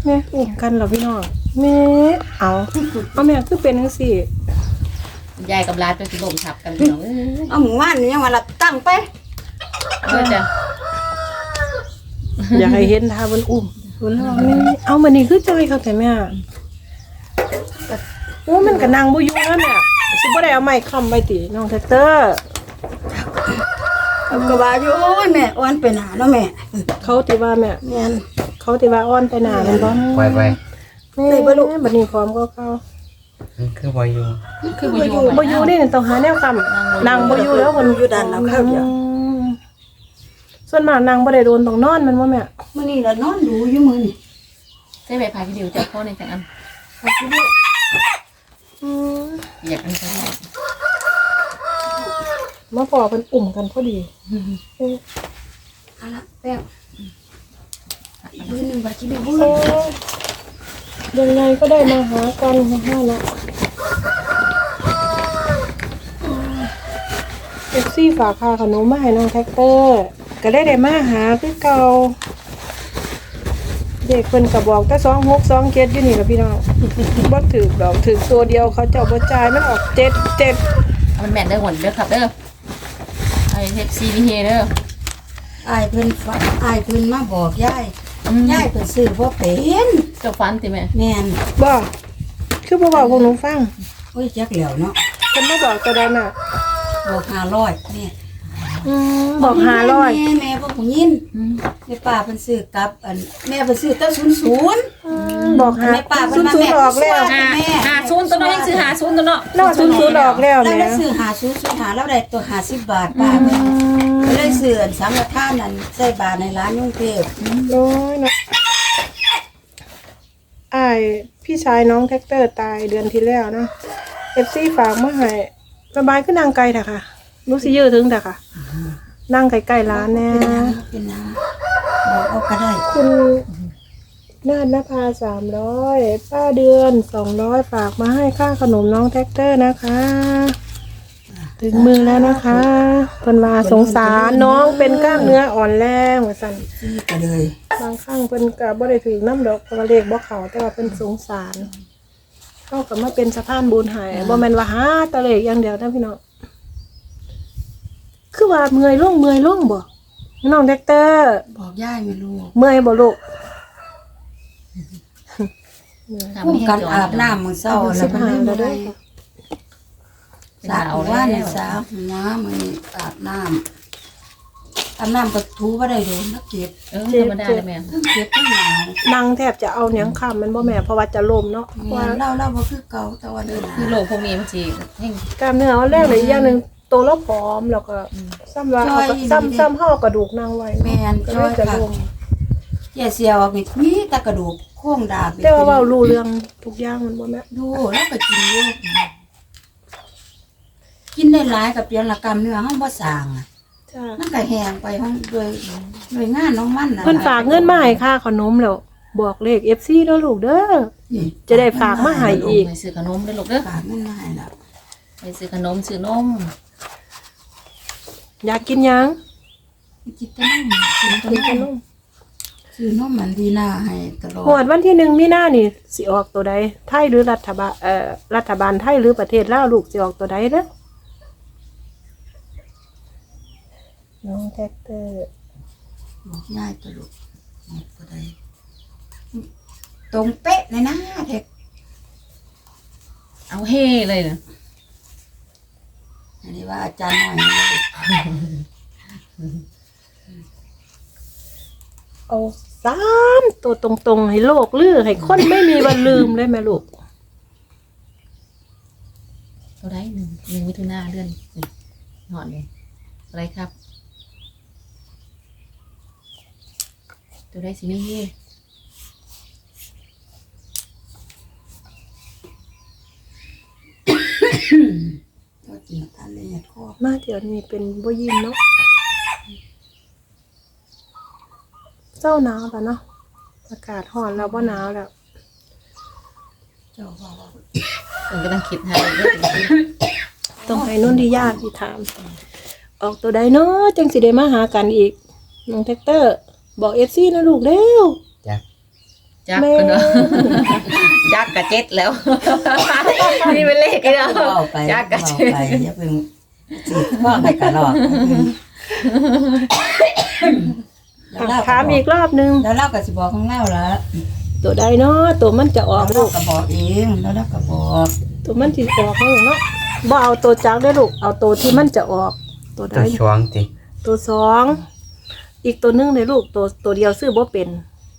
แม่อุ้มกันเหรอพี่น้องแม่เอาแม่คือเป็นจังซี่ยายกับร้านจะลมทับกันพี่น้องเอาหมู่บ้านนี่ยังว่าละตั้งไปจ้ะอยากให้เห็นท่าบนอุ้มบนน้องนี่เอามันนี่คือจอยเขาแต่แม่โอ้มันก็นั่งบ่อยู่แล้วแม่สิบ่ได้เอาไม้ค้ำไว้ติน้องแท็กเตอร์ก็ว่าอยู่โอ้ยแม่อ้วนไปหนาเนาะแม่เขาติว่าแม่แม่นเขาติว่าอ้อนไปหน้าแม่นบ่ไปแม่บัดนี้พร้อมก็เข้าคือบ่อยู่คือบ่อยู่บ่อยู่นี่ต้องหาแนวค้ำนั่งบ่อยู่แล้วมันอยู่ด้านหลังเข้าเดียวส่วนมากนั่งบ่ได้โดนต้องนอนมันบ่แม่มื้อนี้ละนอนดูอยู่มื้อนี่ใช้ใบพายวิดีโอจากพ่อในจังอันอยากอันใช่มาพอเพิ่นอุ่มกันพอดีเอาละแป้งมื้อนึงว่าสิได้บุญยังไงก็ได้มาหากันห้าละเอฟซีฝากค่าขนมมาให้น้องแท็กเตอร์ก็ได้มาหาคือเก่าเด็กเพิ่นก็บอกแต่2627อยู่นี่ล่ะพี่น้องบ่ถูกดอกถูกตัวเดียวเขาเจ้าบ่จ่ายมันออก77 มันแม่นเด้อหวนเด้อครับเด้อไอเทปซีนี่เฮเด้ออ้ายเพิ่นมาบอกยายยายเพิ่นซื้อบ่เป็นเจ้าฟันติแม่แม่นบ่คือบ่บอกพวกหนูฟังโอ้ยจักแล้วเนาะเพิ่นมาบอกตัวใดน่ะบอก500นี่บอก500 แม่บ่ฮู้ยินแม่ป้าเพิ่นซื้อกับอันแม่เพิ่นซื้อแต่00 บอกหาแม่ป้าเพิ่นมา 00 แม่ออกแล้วหาศูนย์ตัวน้อยยังซื้อหาศูนย์ตัวเนาะนอก00ออกแล้วแล้วแม่ได้ซื้อ50หาแล้วได้ตัว50บาทป้าเพิ่นก็เลยซื้ออันสังฆทานนั่นใส่บาทในร้านกรุงเทพน้อยเนาะอ้ายพี่ชายน้องแท็กเตอร์ตายเดือนที่แล้วเนาะ FC ฝากมาให้สบายคือนางไกลเถอะค่ะรู้สิยื้อถึงเถอะค่ะนั่งใกล้ๆร้านแน่เป็นนะบอกเอาก็ได้คุณนาฏนภา300ป้าเดือน200ฝากมาให้ค่าขนมน้องแท็กเตอร์นะคะ ถึงมือแล้วนะคะเพิ่นว่าสงสารน้องเป็นกล้ามเนื้ออ่อนแรงว่าซั่นซื้อก็เลยบางครั้งเพิ่นก็บ่ได้ถือน้ำดอกเพราะว่าเลขบ่เข้าแต่ว่าเพิ่นสงสารเข้าก็มาเป็นสะพานบุญให้บ่แม่นว่าหาแตะเลขอย่างเดียวนะพี่น้องคือว่าเมื่อยลงบ่น้องแท็กเตอร์บอกย่ายไม่รู้เมื่อยบ่ลูกพุ่งกันอาบน้ำมื้อเช้าแล้วมันไม่ได้สระว่าเนี่ยสระหัวมันอาบน้ำก็ถูบ่ได้โดนนักเก็บธรรมดาเลยแม่ทั้งเก็บทั้งหนาวนั่งแทบจะเอาหยังค้ำมันบ่แม่เพราะว่าจะล้มเนาะว่าเล่าบ่คือเก่าแต่ว่าเดินคือโลกพวกนี้มันสิแห่งกล้ามเนื้ออ่อนแรงเลยอีกอย่างหนึงโตแล้วผอมแล้วก็ซ้ำว่าเอาก็ซ้ำเฮากระดูกนางไว้แม่นก็จ้เลอย ยจะค่ะล้มแย่เสียวนี่มีแต่กระดูกโครงดาบแต่ว่าเว้ารู้เรื่องทุกอย่างมันบ่แม่ดูแล้วก็กินอยู่กินได้หลายกับเพียงละกรรมเนื้อเฮาบ่สร้างอะจ้ามันก็แห้งไปห้องโดยงานน้องมันน่ะเพิ่นฝากเงินมาให้ค่าขนมแล้วบอกเลข FC เด้อลูกเด้อนี่จะได้ฝากมาให้อีกไปซื้อขนมเด้อลูกเด้อฝากเงินมาให้แล้วไปซื้อขนมซื้อนมอยากกินหยังกินแต่นมกินแต่กินขนนมมซื้อนมมันดีหน้าให้ตลอดหวดวันที่1มีนานี่สิออกตัวใดไทยหรือรัฐบาลรัฐบาลไทยหรือประเทศลาวลูกสิออกตัวใดเด้อน้องแท็กเตอร์บอกง่ายตลอดบ่ได้ตรงเป๊ะเลยนะเด็กเอาเฮ่เลยนะอันนี้ว่าอาจารย์หน่อยนะเอา3ตัวตรงๆให้โลกลือให้คนไม่มีวันลืมเลยแม่ลูกตัวได้1มิถุนายนเดือนหอดเลยอะไรครับตัวได้สิมีเฮ่ก็กินทานเลยคอมาเดี๋ยวนี้เป็นบ่ยินเนาะเจ้าหนาวป่ะเนาะอากาศร้อนแล้วบ่หนาวแล้วเจ้าว่าผมก็ต้องคิดหาเด้อต้องให้นุ่นที่ญาติที่ถาม ออกตัวใดเนาะจังสิได้มาหากันอีกน้องแท็กเตอร์ บอก FC นะลูกเร็วจ้ะจักกันเนาะจักกะเจ็ดแล้วนี่เป็นเลขกันเนาะเอาไปจักกะเอาเจ็ดไปอย่าเพิ่งสิพ่อไปกะหลอกแล้วเราถามอีกรอบนึงแล้วเราก็สิบอกของเราละตัวใดเนาะตัวมันจะออกเราลูกก็บอกเองแล้วเราก็บอกตัวมันสิออกลูกเนาะบ่เอาตัวจักได้อลูกเอาตัวที่มันจะออกตัวใดตัวช่วงติตัวสองอีกตัวหนึงเลยลูกตัวเดียวซื้อบ่เป็น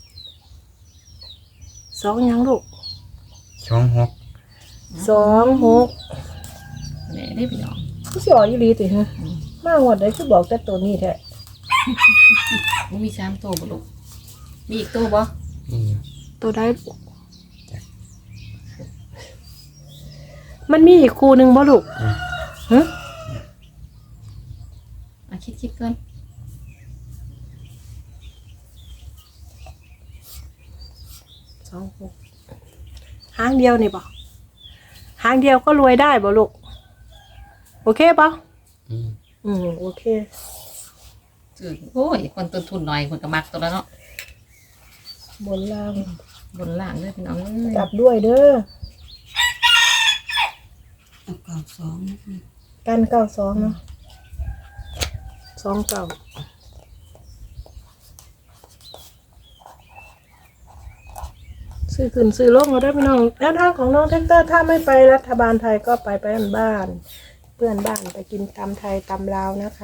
สองหยังลูกช่วงหกสองหกแหน่ได้พี่น้องผู้สิออกอีหลีติฮะมางวดใดคือบอกแต่ตัวนี้แท้มันมี3ตัวบ่ลูกมีอีกตัวบ่นี่ตัวใดลูกมันมีอีกคู่หนึงบ่ลูกฮะคิดก่อน 26หางเดียวนี่บ่หางเดียวก็รวยได้บ่ลูกโอเคป่ะ โอเคคือโอ้ยคนต้นทุนน้อยคนก็มักตัวแล้วเนาะบนล่างบนล่างเลยพี่น้องเอ้ยกลับด้วยเด้อเอาเก่าสองกัน92เนาะ29ซื้อขึ้นซื้อลงก็ได้พี่น้องแนวทางของน้องแท็กเตอร์ถ้าไม่ไปรัฐบาลไทยก็ไปบ้านเพื่อนบ้านไปกินตำไทยตำลาวนะคะ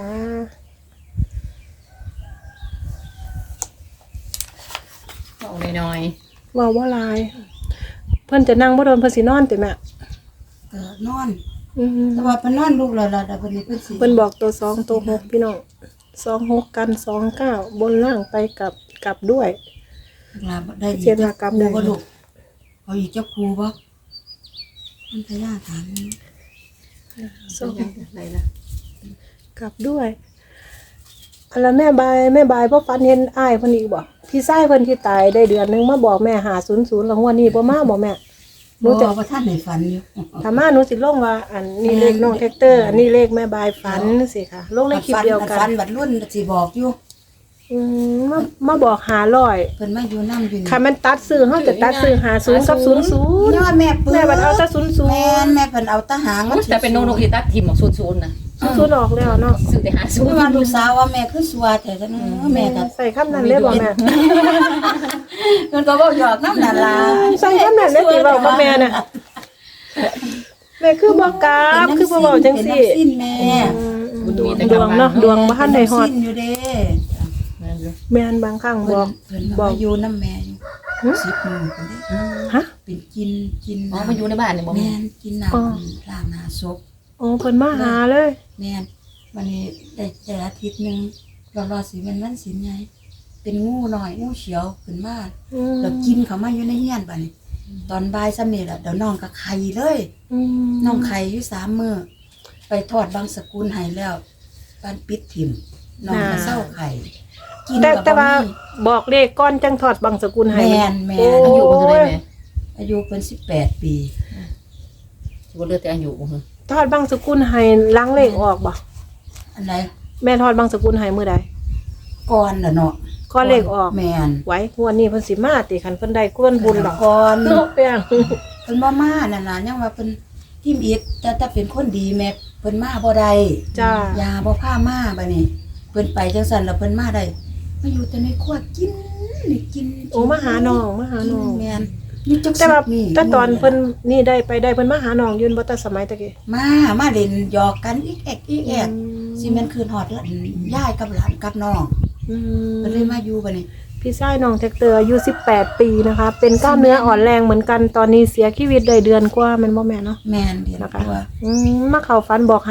เอาน้อยว่าว่าลาย เพื่อนจะนั่งบ่โดนเพิ่นสินอนติแม่ก็นอนอือแต่ว่าเพิ่นนอนลูกแล้วล่ะแต่เพิ่นนี่เพิ่นสิเพิ่นบอกตัว2ตัว6พี่น้อง26กัน29บนล่างไปกลับด้วยลาได้อีกเสียดากรรมได้บ่ลูกเอาอีกเจ้าครูบ่มันพยาถามๆส่งอะไรล่ะกลับด้วยอันละแม่บายบ่ฝันเห็นอ้ายเพิ่นอีกบ่พี่ชายเพิ่นที่ตายได้เดือนนึงมาบอกแม่500แล้วงวดนี้บ่มาบ่แม่หนูบ่จะว่าท่านได้ฝันอยู่ถ้ามาหนูสิลงว่าอันนี้เลขน้องแท็กเตอร์อันนี้เลขแม่บายฝันสิค่ะลงในคลิปเดียวกัฝันนบัดรุ่นสิบอกอยู่มาบอก500 เพิ่นมาอยู่นำอยู่นี่ค่ะมันตัดซื้อเฮาจะตัดซื้อ50กับ00 นี่ว่าแม่ปื้แม่บัดเอาแต่00 แม่นแม่เพิ่นเอาตะหางมันแต่เป็นนกอีตัดทิมของศูนย์นะ 00ออกแล้วเนาะซื้อแต่หาศูคืนอย์ว่าลูกสาวว่าแม่คือสัวแต่จังแม่ก็ใส่คำนั้นเลยบ่แม่เพิ่นก็เว้าหยอกนำนั่นล่ะใส่คำนั้นเลยสิเว้ากับแม่น่ะแม่คือบ่กราบคือบ่เว้าจังซี่เป็นน้ำสิ้นแม่ดวงเนาะดวงบ่ทันได้ฮอดเป็นน้ำสิ้นอยู่เด้แม่นบางครั้งบอกเพิ่นบบ ออก กอยู่นำแม่อยู่หึ 10มื้อเพิ่นเด้ฮะเป็นกินอ๋อมาอยู่ในบ้านเนี่ยบ่แม่นกินน้ำล้างหน้าศพอ๋อเพิ่นมาหาเลยแม่นวันนี้ได้อาทิตย์หนึงรอสิมันวันศีลไงเป็นงูน้อยงูเขียวขึ้นมา แล้วกินเขามาอยู่ในเฮียนบัดนี้ตอนบ่ายซ้ำนี่แหละเดี๋ยวน้องก็ไข่เลย น้องไข่อยู่3 มื้อไปทอดบางสกุลให้แล้วบ้านปิดถิ่มน้องก็เศร้าไข่กินแต่กับแต่ว่าบ่มีบอกเลขก้อนจังถอดบังสกุลให้แม่นแม่โอ้นอายุมันเท่าไหร่แม่อายุเพิ่น18 ปีสิบ่เหลือแต่อายุบ่ถอดบังสกุลให้ล้างเลขออกบ่อันใดแม่ถอดบังสกุลให้มื้อใดก่อนน่ะเนาะก้อนเลขออกแม่นไว้งวดนี้เพิ่นสิมาติคันเพิ่นได้กวนบุญดอกก่อนเนาะแป้งเพิ่นบ่มานั่นล่ะยังว่าเพิ่นทิมอิดแต่เป็นคนดีแม่เพิ่นมาบ่ได้จ้ายาบ่พามาบัดนี้เพิ่นไปจังซั่นแล้วเพิ่นมาได้มาอยู่แต่ในครัวกินนี่กินโอ้มาหาน้องมาหาน้องแม่นนี่จักแต่ว่านี่แต่ตอนเพิ่นนี่ได้ไปได้เพิ่นมาหาน้องยืนบ่แต่สมัยตะกี้มาเล่นหยอกกันอีกแอกอีกแอกสิแม่นคืนฮอดแล้วยายกับหลานกับน้องอืมเพิ่นเลยมาอยู่บัดนี้พี่ชายน้องแท็กเตอร์อายุ18 ปีนะคะ เป็นกล้ามเนื้ออ่อนแรงเหมือนกันตอนนี้เสียชีวิตได้เดือนกว่าแมันบ่แม่นเนาะแม่นเดียวนะคะตัวมาเข้าฝันบอก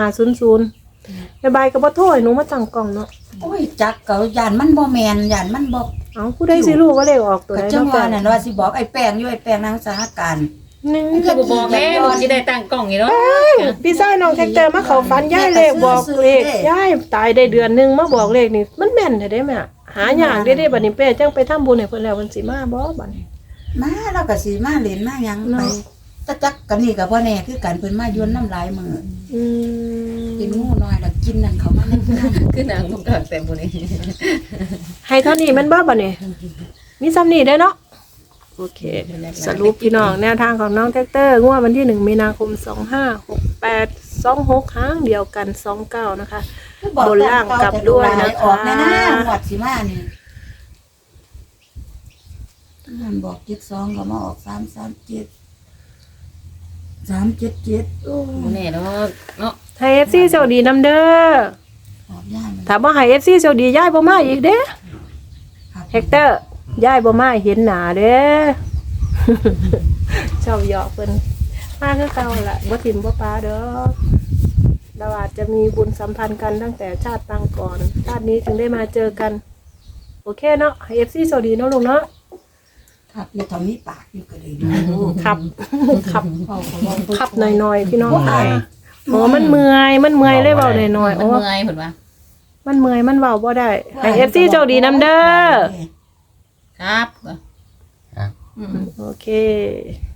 500บายก็บ่โทรให้หนูมาตั้งกล้องเนาะโอ้ยจักก็ย่านมันบ่แม่นย่านมันบ่เอ้าผู้ใดสิรู้ว่าเลขออกตัวก็ใดจังเนาะว่าแป้งนั่นว่าสิบอกไอ้แป้งอยู่ไอ้แป้งนางสหการนี่คือบ่บอกแม่บ่สิได้ตั้งกล้องนี่เนาะพี่ชายน้องแท็กเตอร์มาเข้าฝันยายเลขบอกเลขยายตายได้เดือนนึงมาบอกเลขนี่มันแม่นแท้เด้แม่หายากเด้บัดนี้เป้จังไปทำบุญให้เพิ่นแล้วเพิ่นสิมาบ่บัดนี้มาเราก็สิมาเล่นมาหยังเนาะไปแต่จักกันนี่ก็บ่แน่คือกันเพิ่นมาโยนน้ำลายมืออืมกินงูน้อยแล้วกินนั่นเขามานั่นนั่นคือนางบ่กล้าแต่บ่นี่ให้เท่านี้แมันบ่บัดนี้มีซ้ำนี้เด้อเนาะโอเค สรุปพี่น้องแนวทางของน้องแท็กเตอร์งวดวันที่1 มีนาคม 2568 26ครั้งเดียวกัน 29 นะคะ บนล่างกลับด้วยนะคะออกแน่ๆหมดสิมานี่มันบอก72ก็มาออก337 377โอ้แน่แล้วเนาะให้ FC โชคดีนำเด้อออกย่านมันถ้าบ่ให้ FC โชคดีย้ายบ่มาอีกเด้อครับแท็กเตอร์ย้ายบ่มาเห็นหน้าเด้อ ชอบหยอกเพิ่นมาคือเก่าล่ะบ่ถิ่มบ่ปาเด้อเราอาจจะมีบุญสัมพันธ์กันตั้งแต่ชาติปางก่อนชาตินี้ถึงได้มาเจอกัน โอเคเนาะให้ FC โชคดีเนาะลุงเนาะครับอยู่ทำมีปากอยู่ก็เลยดูครับ ครับเขาก็บอกขับหน่อยๆพี่น้องค่ะโอ้มันเมื่อยเลยเว้าหน่อยๆมันโอ้เมื่อยเพิ่นว่ามันเมื่อยมันเว้าบ่ได้ให้ FC โชคดีนำเด้อครับครับอืมโอเค